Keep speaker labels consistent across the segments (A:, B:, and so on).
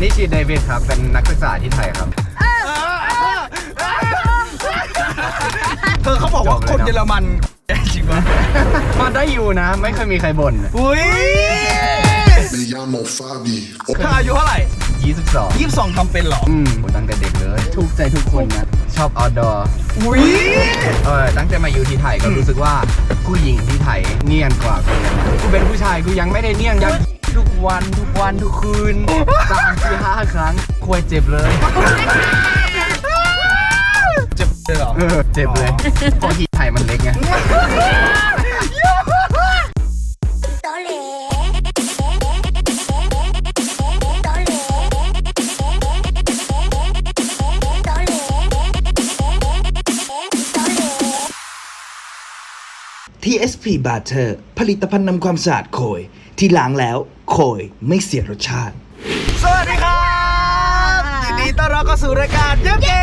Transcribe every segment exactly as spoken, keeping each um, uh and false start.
A: นี่ชื่อเดวิดครับเป็นนักศึกษาที่ไทยครับ
B: เธอเขาบอกว่าคนเยอรมันจริงปะ
A: ก็ได้อยู่นะไม่เคยมีใครบ่น
B: อุ้ย
C: Me llamo Fabi
B: เธออายุเท่าไหร่
A: ยี่สิบสอง
B: ยี่สิบสองทำเป็นหรอ
A: อืมตั้งแต่เด็กเลยถูกใจทุกคนนะชอบ outdoor
B: อุ้ย
A: เออตั้งแต่มาอยู่ที่ไทยก็รู้สึกว่าผู้หญิงที่ไทยเนียนกว่าคนกูเป็นผู้ชายกูยังไม่ได้เนียนยักทุกวันทุกวันทุกคืนสามสี่ห้าครั้งควยเจ็บเลย
B: เจ็บเลยเหรอ
A: เออเจ็บเลยเพราะที่ไทยมันเล็กไง
D: ที เอส พี Butter ผลิตภัณฑ์นำความสะอาดโคยที่ล้างแล้วโคยไม่เสียรสชาติ
B: สวัสดีครับยินดีต้อนรับเข้าสู่รายการเย้เย้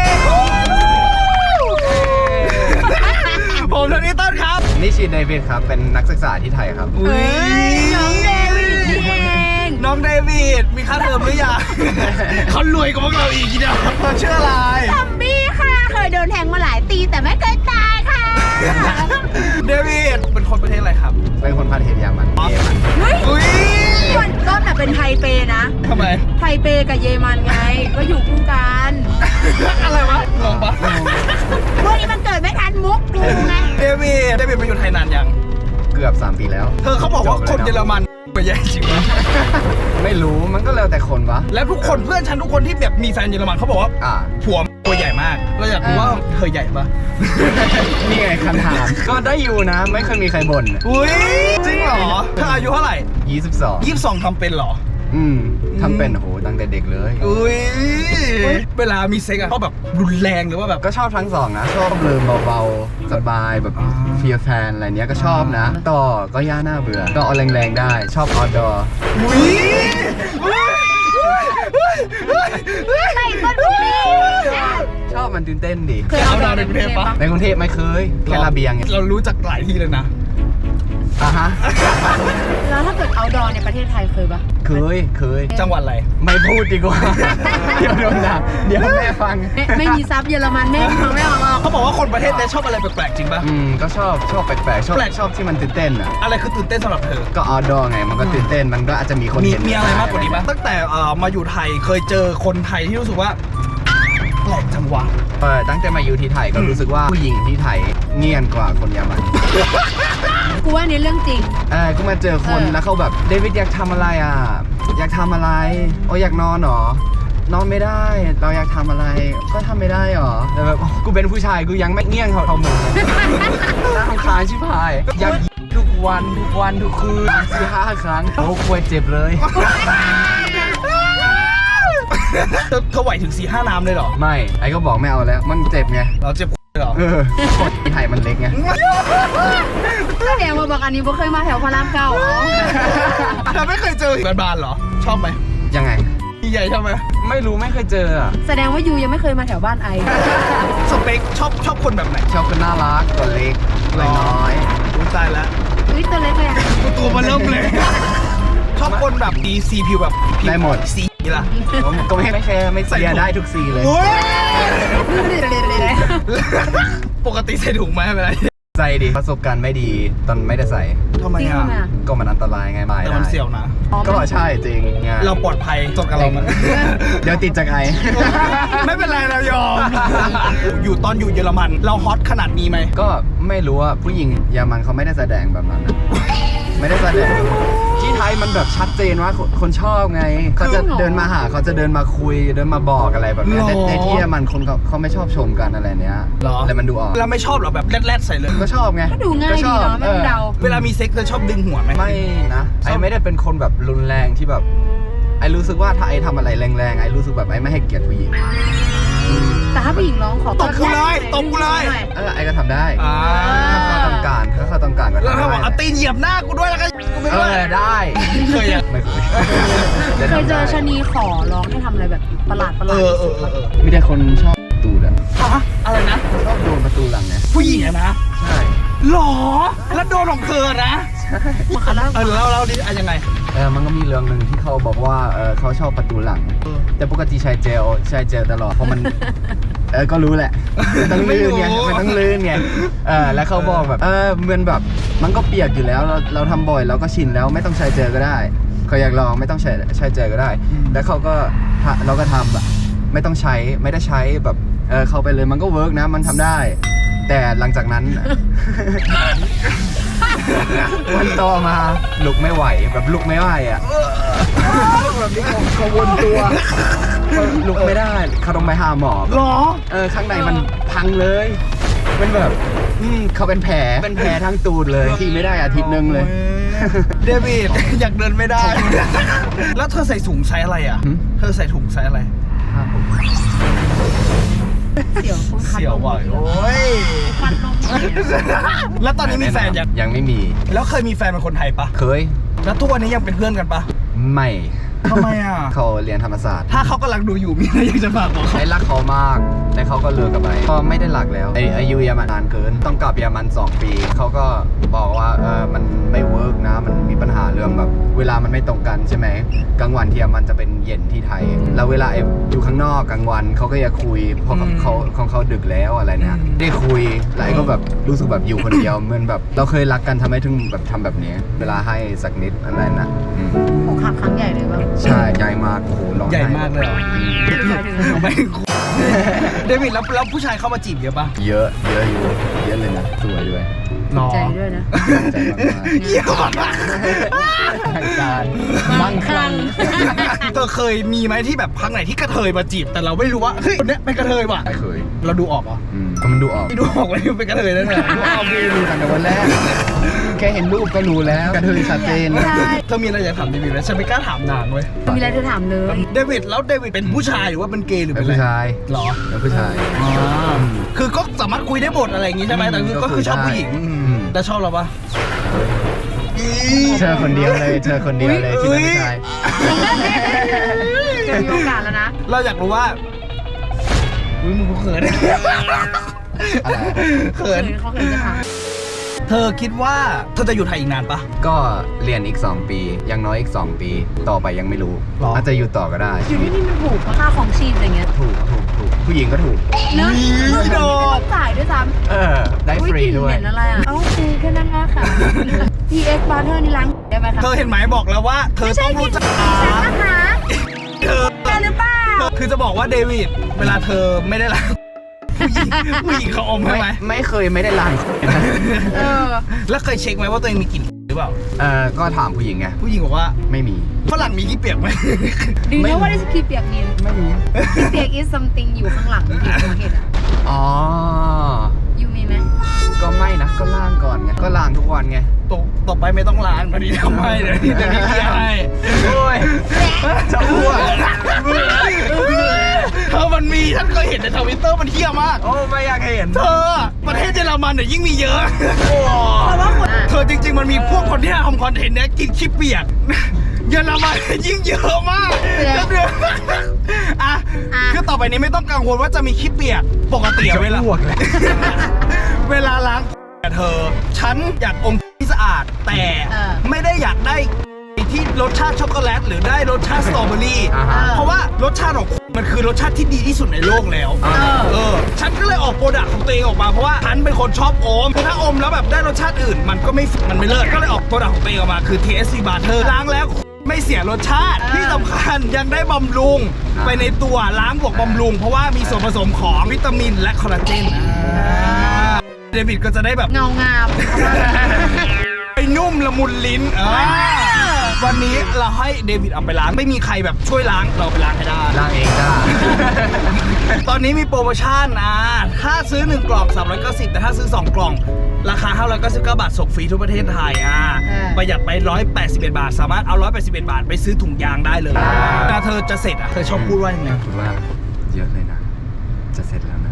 B: ผมโทนี่ต้นครับ
A: นี่ชื่อเดวิดครับเป็นนักศึกษาที่ไทยครับ
B: อุ้ย
E: น้องเดวิดนี่เอง
B: น้องเดวิดมีค่าเทอมหรือยังเขารวยกว่าพวกเราอีกทีเดียวเขาชื่ออะไร
E: ซอมบี้ค่ะเคยโดนแทงมาหลายตีแต่ไม่เคยตายค่ะ
B: เดวิดเป็นคนประเทศอะไรครับ
A: เป็นคนประเทศเยอรมันเยอรมัน
B: อุ้ย
E: ส่วนต้นน่ะเป็นไทเปนะ
B: ทำไม
E: ไทเปกับเยอรมันไงก็อยู่คู่กัน
B: อะไรวะงงปะ
E: พวกนี้มันเกิดไม่ทันมุกกูไง
B: เดวิดเดวิดมาอยู่ไทยนานยัง
A: เกือบสามปีแล้ว
B: เธอเขาบอกว่าคนเยอรมันเป็นยังจริงปะ
A: ไม่รู้มันก็แล้วแต่คนวะ
B: แล้วทุกคนเพื่อนฉันทุกคนที่แบบมีแฟนเยอรมันเขาบอกว่าผัวตัวใหญ่มากเราอยากรู้ว่าเธอใหญ่ปะ
A: นี่ไงคำถามก็ได้อยู่นะไม่เคยมีใครบ่น
B: อุ้ยจริงเหรอเธออายุเท่าไหร่
A: ยี่สิบสอง
B: ยี่สิบสองทำเป็นเหรอ
A: อืมทำเป็นโหตั้งแต่เด็กเลย
B: อุ้ยเวลามีเซ็กอะเขาแบบรุนแรงหรือว่าแบบ
A: ก็ชอบทั้งสองนะชอบเลิมเบาๆสบายแบบเฟียร์แฟนอะไรเนี้ยก็ชอบนะต่อก็ย่าหน้าเบื่อก็เอาแรงๆได้ชอบ outdoor
B: อุ้ย
E: ใส่ต้นบุรี
A: ชอบมันตื่นเต้นดิ
B: เคยเอาดาวในกรุงเทพปะ
A: ในกรุงเทพไม่เคยแค่ระเบียง
B: เรารู้จักหลายที่เลยนะ
A: อ่ะฮะ
E: แล้วถ้าเกิดเอาดอในประเทศไทยเคยปะ
A: เคยเคย
B: จังหวัดอะไร
A: ไม่พูดดีกว่าเดี๋ยวโดนด่าเดี๋ยวแม่ฟัง
E: ไม่มีซับเยอรมันแม่ฟังไม่ออกหรอก
B: เขาบอกว่าคนประเทศนี้ชอบอะไรแปลกๆจริงปะ
A: อืมก็ชอบชอบแปลกๆชอบชอบที่มันตื่นเต้นอ่ะ
B: อะไรคือตื่นเต้นสำหรับเธอ
A: ก็outdoorไงมันก็ตื่นเต้นมันก็อาจจะมีคนเห็น
B: มีอะไรมากกว่านี้ไหมตั้งแต่มาอยู่ไทยเคยเจอคนไทยที่รู้สึกว่าแปลกจังวะ
A: เออตั้งแต่มาอยู่ที่ไทยก็รู้สึกว่าผู้หญิงที่ไทยเนียนกว่าคนเยอรมัน
E: กูว่านี่เรื่องจริง
A: เออก็มาเจอคนแล้วเขาแบบเดวิดอยากทำอะไรอ่ะอยากทำอะไรโอ้อยากนอนหรอนอนไม่ได้เราอยากทำอะไรก็ทำไม่ได้หรอแต่แบบกูเป็นผู้ชายกูยังไม่เนียนเขาเขาหมดน่าทำคาญชิบหายอยากทุกวันทุกวันทุกคืนสี่ห้าครั้งโอ้ควยเจ็บเลย
B: เขาไหวถึงสี่ห้าน้ำเลยเหรอ
A: ไม่ไอ้ก็บอกไม่เอาแล้วมันเจ็บไง
B: เราเจ็บเหรอ
A: เออคนที่ไทยมันเล็กไง
E: ก็แดงมาบอกอันนี้บ่เคยมาแถวพระรามเก้าอ๋อ
B: เธอไม่เคยเจอแบบบานเหรอชอบไหม
A: ยังไง
B: ใหญ่ชอบไหม
A: ไม่รู้ไม่เคยเจออ่ะ
E: แสดงว่ายูยังไม่เคยมาแถวบ้านไอ
B: สเปคชอบชอบคนแบบไหน
A: ชอบคนน่ารักตัวเล็กน้อย
B: อุ้ยตายแล้ว
E: อุ้ยตัวเล็กเลย
B: ตัวมันเริ่มเลยชอบคนแบบดีซีผิวแบบ
A: ได้หมด
B: สีล่ะ
A: ก็ไม่ไม่แคร์ไม่เสียได้ทุกสีเลย
B: ปกติใส่ถุงไหมเวลา
A: ใส่ดิประสบการณ์ไม่ดีตอนไม่ได้ใส่
B: ทำไมอ่ะ
A: ก็มันอันตรายไงไม่
B: ได้แต่มันเสี่ยวนะ
A: ก็ใช่จริง
B: เราปลอดภัยจบกับเรามัน
A: เดี๋ยวติดจากไอ
B: ไม่เป็นไรเรายอมอยู่ตอนอยู่เยอรมันเราฮอตขนาดนี้ไหม
A: ก็ไม่รู้ว่าผู้หญิงเยอรมันเขาไม่ได้แสดงแบบนั้นไม่ได้แสดงที่ไทยมันแบบชัดเจนว่าคนชอบไงเขาจะเดินมาหาเขาจะเดินมาคุยเดินมาบอกอะไรแบบนี้ในที่มันคนเขาเขาไม่ชอบชมกันอะไรเนี้ยแต่มันดูออก
B: เราไม่ชอบหรอแบบแรดๆใส่เลย
A: ก็ชอบไง
E: ก็ดูง่ายดีเนาะไม่ต้องเดา
B: เวลามีเซ็กซ์เธอชอบดึงหัวไหม
A: ไม่นะไอไม่ได้เป็นคนแบบรุนแรงที่แบบไอรู้สึกว่าถ้าไอทำอะไรแรงๆไอรู้สึกแบบไอไม่ให้เกียรติผู้หญิง
E: แต่ถ้าผู้หญิงร้องขอ
B: ตบกูเลยตบกูเลย
A: เออไอก็ทำได้ถ้าเขาต้องการถ้าเขาต้องการก็
B: แล้วถ้าบอกเอาตีนเหยียบหน้ากูด้วยแล้วก็กูไม่
A: ได้ได้
B: เคยยัง
A: ไม่เคย
E: เคยเจอชะนีขอร้องให้ทำอะไรแบบประหลาดประหลาด
A: มีแต่คนชอบตูดอะ
B: ฮะอะไรนะ
A: ชอบโดนประตูหลังไง
B: ผู้หญิงอะนะ
A: ใช่
B: หรอแล้วโดนของเธอนะเออแล้วเราดิอะยังไง
A: เออมันก็มีเรื่องหนึ่งที่เขาบอกว่าเออเขาชอบประตูหลัง แต่ปกติใช้เจลใช้เจลตลอดเพราะมัน เออก็รู้แหละมันต้องลื่นไง
B: ไม่รู้
A: มันต้องลื่นไงเออแล้วเขาบอกแบบเออเหมือนแบบมันก็เปียกอยู่แล้วเราเราทำบ่อยเราก็ชินแล้วไม่ต้องใช้เจลก็ได้เขาอยากลองไม่ต้องใช้ใช้เจลก็ได้ แล้วเขาก็ทะเราก็ทำแบบไม่ต้องใช้ไม่ได้ใช้แบบเออเข้าไปเลยมันก็เวิร์กนะมันทำได้ แต่หลังจากนั้น วันต่อมาลุกไม่ไหวแบบลุกไม่ไหวอ่ะแบบนี้เขาเขาวนตัวเขาลุกไม่ได้เขาต้องไปหาหมอ
B: หรอ
A: เออข้างในมันพังเลยมันแบบอืมเขาเป็นแผลเป็นแผลทั้งตูดเลยที่ไม่ได้อาทิตย์หนึงเลย
B: เดวิดอยากเดินไม่ได้ แล้วเธอใส่ถุงไซส์อะไรอ่ะ
A: หืม
B: เธอใส่ถุงไซส์อะไร
A: ครับผม
E: เสี่ยวคงคัน
B: เสียวว่ะโอ้ย
E: คันลม
B: แล้วตอนนี้มีแฟนยัง
A: ยังไม่มี
B: แล้วเคยมีแฟนเป็นคนไทยปะ
A: เคย
B: แล้วทุกวันนี้ยังเป็นเพื่อนกันปะ
A: ไม่
B: ทำไมอ่ะ
A: เขาเรียนธรรมศาสตร์
B: ถ้าเขากำลังดูอยู่มีอะไรอยากจะฝากบอกเขา
A: ไอ้รักเขามาก แต่เขาก็เลิกกับไปก็ไม่ได้รักแล้วไอ้อายุเยอรมันนานเกิน ต้องกลับเยอรมันสองปี เขาก็บอกว่าเออมันไม่เวิร์กนะ มันมีปัญหาเรื่องแบบ เวลามันไม่ตรงกันใช่ไหมกลางวันที่เยอรมันจะเป็นเย็นที่ไทย แล้วเวลาไอ้อยู่ข้างนอกกลางวันเขาก็อยากคุยเพราะเขาของเขาดึกแล้วอะไรเนี่ยได้คุยแล้วไอ้ก็แบบรู้สึกแบบอยู่คนเดียวเหมือนแบบเราเคยรักกันทำไมถึงแบบทำแบบนี้ เวลาให้สักนิดอะไรนะอืม
E: อกหักครั้งใหญ่เลยว่า
A: ใช่ใหญ่มากโอ้โหร้อง
B: ใหญ่
A: ไห้
B: มากเลยเหรอ
E: หมายถึงอะไร
B: ไม่เดวิดแล้วแล้วผู้ชายเข้ามาจีบเยอะปะ
A: เยอะเยอะอยู่เยอะเลยนะสวยด้วย
B: หรอ
E: ใจด้วยนะ
A: ใจมาก
B: เยี่ยมมาก
A: ๆทางการมั่งคลั่ง
B: เธอเคยมีไหมที่แบบพักไหนที่กระเทยมาจีบ แต่เราไม่รู้ว่าเฮ้ยคนเนี้ยเป็นกระเทยว่ะ
A: ไม่เคย
B: เราดูออกเหรอ
A: อืมก็มันดูออก
B: ไม่ดูออกเลยเป็นกระเทยนั่นแหละ
A: ดูออกดีดูตั้งแต่วันแรก แค่เห็นรูปก็รู้แล้วกระเทยชัดเจน
E: ใช่
B: เธอมีอะไรอยากถามเดวิดไหมฉันไม่กล้าถามนานเว้ย
E: มีอะไรเธอถามเลย
B: เดวิดแล้วเดวิดเป็นผู้ชายหรือว่าเป็นเกย์หรือ
A: เป็
B: เป็น นอะไร
A: ผู้ชาย
B: หรอ
A: เป็นผู้ชาย
B: อ๋อคือก็สามารถคุยได้หมดอะไรอย่างงี้ใช่ไหมแต่คือก็คือชอบผู้หญิง
A: อืม
B: แล้วชอบเราปะ
A: เธอคนเดียวเลยเธอคนเดียวเลยที่เป็นผู้ชาย
E: จะมีโอกาสแล้วนะ
B: เราอยากรู้ว่าอุ้ยมึงกูเขิน
A: อะไร
B: เขิน
E: เขาเคยจะถาม
B: เธอคิดว่าเธอจะอยู่ไทยอีกนานปะ
A: ก็เรียนอีกสองปีอยังน้อยอีกสองปี ต่อไปยังไม่รู้
B: หรออ
A: อาจจะอยู่ต่อก็ได้
E: อยู่ที่นี่มันถูกค่าของชีพอะไรเงี้ย
A: ถูกถูกถูกผู้หญิงก็ถูก
E: เนอะ
B: อุ๊ย
E: ไม่
B: ด
E: ต้
B: อ
E: อก งจ่ายด้วยซ้ำ
A: เออ ได้ฟรีด้วย
E: เห็นอะไรอ่ะ เอ้าคือแค่นั้นแหละค่ะ พี เอ็กซ์ Butter นี่ล้างได้ไหมคะ
B: เธอเห็นไหมบอกแล้วว่า เธอ
E: ไม่
B: ต้
E: ใช่
B: อง
E: พี่
B: รู้จัก
E: ฉันนะคะ
B: เธอ
E: แกหรือเปล่า
B: คือจะบอกว่าเดวิดเวลาเธอไม่ได้รักผู้หญิงผู้หญิงเขาอมใช่
A: ไม่
B: ไหม
A: ไม่เคยไม่ได้ล้าง
E: เออ
B: แล้วเคยเช็คไหมว่าตัวเองมีกลิ่นหรือเปล่า
A: เออก็ถามผู้หญิงไง
B: ผู้หญิงบอกว่า
A: ไม่มี
B: ฝรั่งมีขี้เปียกไหม
E: Do you know what is ขี้เปียก mean
A: ไม่มี
E: ขี้เปียก is something อยู่ข้างหลังที่ผมเห็นอ่ะ
A: อ๋อ
E: ยูมีไหม
A: ก็ไม่นะ ก็ล้างก่อนไง ก็ล้างทุกวันไง
B: ต่อต่อไปไม่ต้องล้างตอนนี้ทำให้เดี๋ยวนี้เดี๋ยวนี้เคลียร์ให้
A: โอ้ย จะอ้วก
B: เธอมันมีท่านเคยเห็นในทวิตเตอร์มันเที่ยมาก
A: โอ้ไม่อยากเห็น
B: เธอประเทศเยอรมันเนี่ยยิ่งมีเยอะ
E: เพราะว่าคน
B: เธอจริง ๆ มันมีพวกคนที่ทำคอนเทนต์เนี้ยกินขี้เปียก เยอรมันยิ่งเยอะมากอ่ะคือต่อไปนี้ไม่ต้องกังวลว่าจะมีขี้เปียกปกติเวลา
A: จะอ้วกเลย
B: เวลาล้างเธอ ฉันอยากอมที่สะอาด แต่ไม่ได้อยากได้ที่รสชาติช็อกโกแลตหรือได้รสชาติสตรอเบอรี่
A: อ่าฮะ
B: เพราะว่ารสชาติของมันคือรสชาติที่ดีที่สุดในโลกแล้ว
A: อ่า
B: เออ ฉันก็เลยออกโปรดักต์ของตัวเองออกมาเพราะว่าฉันเป็นคนชอบอมคือถ้าอมแล้วแบบได้รสชาติอื่น มันก็ไม่มันไม่เลิศก็เลยออกโปรดักต์ของตัวเองออกมาคือ ที เอส ซี Butter ล้างแล้วไม่เสียรสชาติที่สำคัญยังได้บำรุงไปในตัวล้างบวกบำรุง เพราะว่ามีส่วนผสมของวิตามินและคอลลาเจนเดวิดก็จะได้แบบ
E: เงางาม
B: ไปนุ่มละมุนลิ้นอ่าวันนี้เราให้เดวิดเอาไปล้างไม่มีใครแบบช่วยล้างเราไปล้างให้ได้
A: ล้างเองได้
B: ตอนนี้มีโปรโมชั่นนะถ้าซื้อหนึ่งกล่องสามร้อยเก้าสิบแต่ถ้าซื้อสองกล่องราคาห้าร้อยเก้าสิบเก้าบาทส่งฟรีทั่วประเทศไทยอ่าประหยัดไปหนึ่งร้อยแปดสิบเอ็ดบาทสามารถเอาหนึ่งร้อยแปดสิบเอ็ดบาทไปซื้อถุงยางได้เลยถ้าเธอจะเสร็จอ่ะเธอชอบพูดว่ายังไง
A: คิดว่าเยอะเลยนะ จะเสร็จแล้วนะ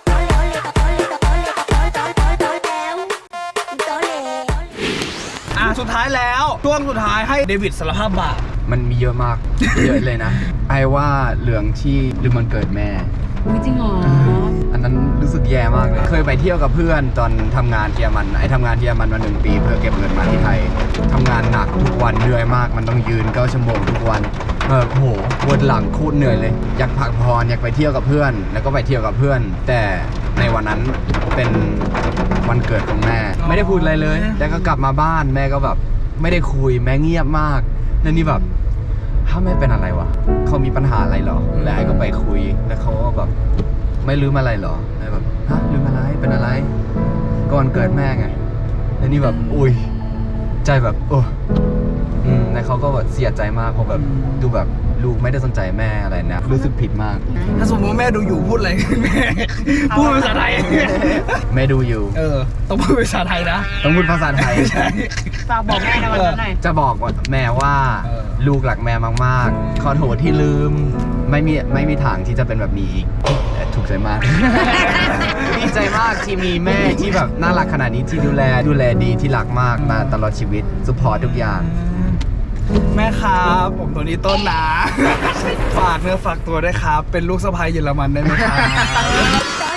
B: อ่ะสุดท้ายแล้วช่วงสุดท้ายให้เดวิดสารภาพบาป
A: มันมีเยอะมาก เยอะเลยนะ ไอ้ว่าเรื่องที่ลืมวันเกิดแม่
E: อุ๊ยจริงเหรอ
A: อันนั้นรู้สึกแย่มากเลย เคยไปเที่ยวกับเพื่อนตอนทำงานที่เยอรมัน ไอ้ทำงานที่เยอรมันมาหนึ่งปีเพื่อเก็บเงินมาที่ไทยทำงานหนักทุกวันเหนื่อยมาก มันต้องยืนเก้าชั่วโมงทุกวันแบบโหปวดหลังโคตรเหนื่อยเลย อยากพักผ่อนอยากไปเที่ยวกับเพื่อน แล้วก็ไปเที่ยวกับเพื่อน แต่ในวันนั้นเป็นวันเกิดของแม่ ไม่ได้พูดอะไรเลย แล้วก็กลับมาบ้านแม่ก็แบบไม่ได้คุยแม่เงียบมากแล้วนี่แบบถ้าแม่เป็นอะไรวะเขามีปัญหาอะไรเหรอแล้วไอ้ก็ไปคุยแล้วเขาก็แบบไม่ลืมอะไรเหรอแล้วแบบฮะลืมอะไรเป็นอะไรก่อนเกิดแม่ไงแล้วนี่แบบอุ้ยใจแบบโอ้อืมแล้วเขาก็แบบเสียใจมากเพราะแบบดูแบบลูกไม่ได้สนใจแม่อะไรนะรู้สึกผิดมาก
B: ถ้าสมมติว่าแม่ดูอยู่พูดอะไร แม่พูดเป็นภาษาไทย
A: แม่ดูอยู่
B: เออต้องพูดเป็นภาษาไทยนะ
A: ต้องพูดภาษาไทย
B: ใช่
E: ฝากบอกแม่ในวันนั้นหน่อย
A: จะบอกว่าแม่ว่า
B: เออ
A: ลูกหลักแม่มากๆขอโทษที่ลืมไม่มีไม่มีทางที่จะเป็นแบบนี้อีกถูกใจมาก ดีใจมากที่มีแม่ที่แบบน่ารักขนาดนี้ที่ดูแลดูแลดีที่รักมากมาตลอดชีวิตซุปพอร์ตทุกอย่าง
B: แม่ครับผมตัวนี้ต้นนะ ฝากเนื้อฝากตัวด้วยครับ เป็นลูกสะใภ้เยอรมันได้ไหมครับ